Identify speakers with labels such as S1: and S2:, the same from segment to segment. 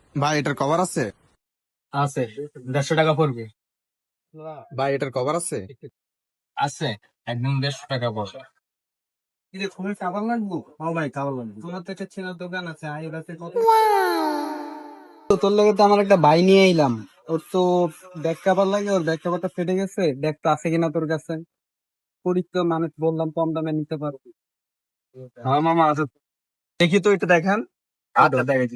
S1: ভাই এটার কভার আছে?
S2: আছে, 150 টাকা পড়বে।
S1: ভাই এটার কভার আছে?
S2: আছে, একদম 150 টাকা পড়বে। খুবই কাবার লাগবো। হ্যাঁ ভাই, কাবার লাগবে। তোমার তো একটা চেনার দোকান আছে, আইর আছে কত। তো তোর লগে তো আমার একটা ভাই নিয়ে এলাম। ওর তো ব্যাক কাভার লাগে, ওর ব্যাক কাভারটা ফেটে গেছে। ব্যাগ তো আছে কিনা তোর কাছে? পরীক্ষা মানুষ বললাম কম দামে নিতে পারবি।
S1: হ্যাঁ মামা আছে। দেখি তো এটা দেখান।
S2: আচ্ছা, দেখাচ্ছি।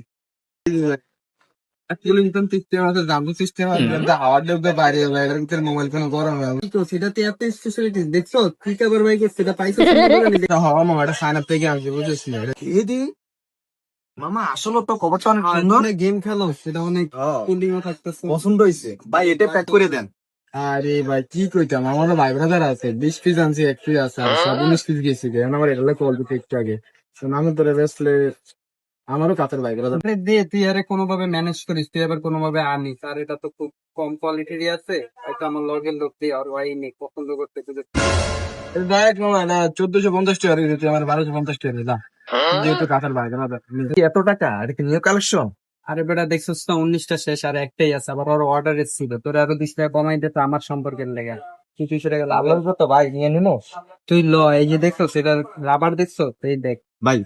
S2: কুলিংটন সিস্টেম আছে, জাম্বো সিস্টেম আছে, হাওয়ার ঢুকবে বাইরে যাবে, এটার ভিতরে মোবাইল ফোন গরম হবে। তো সেটাতে এত স্পেশালিটি দেখছো, কি কাবার বাইক সেটা পাইছো সুন্দর দোকানে? হওয়া মামা, এটা সাইন আপ থেকে আনছি, বুঝেছ না?
S1: এদি মামা আসলে তো কভারটা অনেক সুন্দর।
S2: অনেক গেম খেলো, সেটা অনেক কুলিং ও থাকতেছে।
S1: পছন্দ হয়েছে ভাই, এটা প্যাক করে দেন।
S2: আরে ভাই, কি কইতাম, আমারও ভাই ব্রাদার আছে, 20 পিস আনছি, 1 পিস আছে, আর সব 19 পিস গেছি। এখন আমার এটা কল দিতে একটু আগে। তো আমি তোরে বেসলে আমারও কাছের ভাই ব্রাদার দে, তুই আরে কোনোভাবে ম্যানেজ করিস, তুই আবার কোনোভাবে আনিস। আর এটা তো খুব কম কোয়ালিটিরই আছে, হয়তো আমার লগের লোক দিয়ে আর ওয়াই নেই পছন্দ করতে
S1: ডাইরেক্ট মামা না 1450 টাকা দিয়ে দিতে, আমার 1250 টাকা দিলাম, যেহেতু কাছের ভাই ব্রাদার। এত টাকা, এটা কি নিউ কালেকশন?
S2: আরে বেটা, দেখছিস তো 19টা শেষ, আর একটাই আছে, আবার ওর অর্ডার ছিল। তোর আরো 20 টাকা কমাই দিতে আমার সম্পর্কের লেগে তুই 200 টাকা লাভ
S1: আল্লাহর কত ভাই, নিয়ে নিনো।
S2: তুই ল। এই যে দেখছো সেটা রাবার, দেখছো তো, এই দেখ
S1: ভাই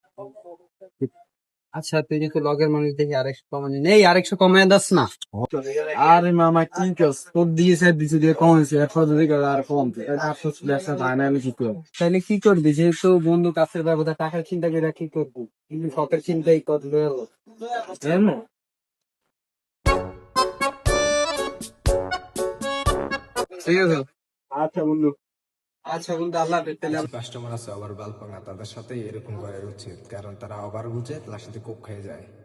S2: আচ্ছা, তুই যেহেতু লগের মানুষ দেখি আরেকশো কমাই নেই, আরেকশো কমাই দাস না।
S1: আরে মামা কি কস, তোর দিয়েছে দিছে দিয়ে কমেছে, এরপর যদি আর কম আফসোস ব্যবসা যায় না, আমি কি করবো?
S2: তাহলে কি করবি? যেহেতু বন্ধু কাছের ব্যবস্থা, টাকার চিন্তা করে কি করবি? কিন্তু শখের চিন্তাই কত হলো।
S1: ঠিক আছে।
S2: আচ্ছা বন্ধু, আচ্ছা বন্ধু, আল্লাহ হাফেজ তাহলে।
S3: কাস্টমার আছে ওভার বাল্পাঙা, তাদের সাথে এরকম করা উচিত, কারণ তারা ওভার বুঝে তার সাথে কোপ খেয়ে যায়।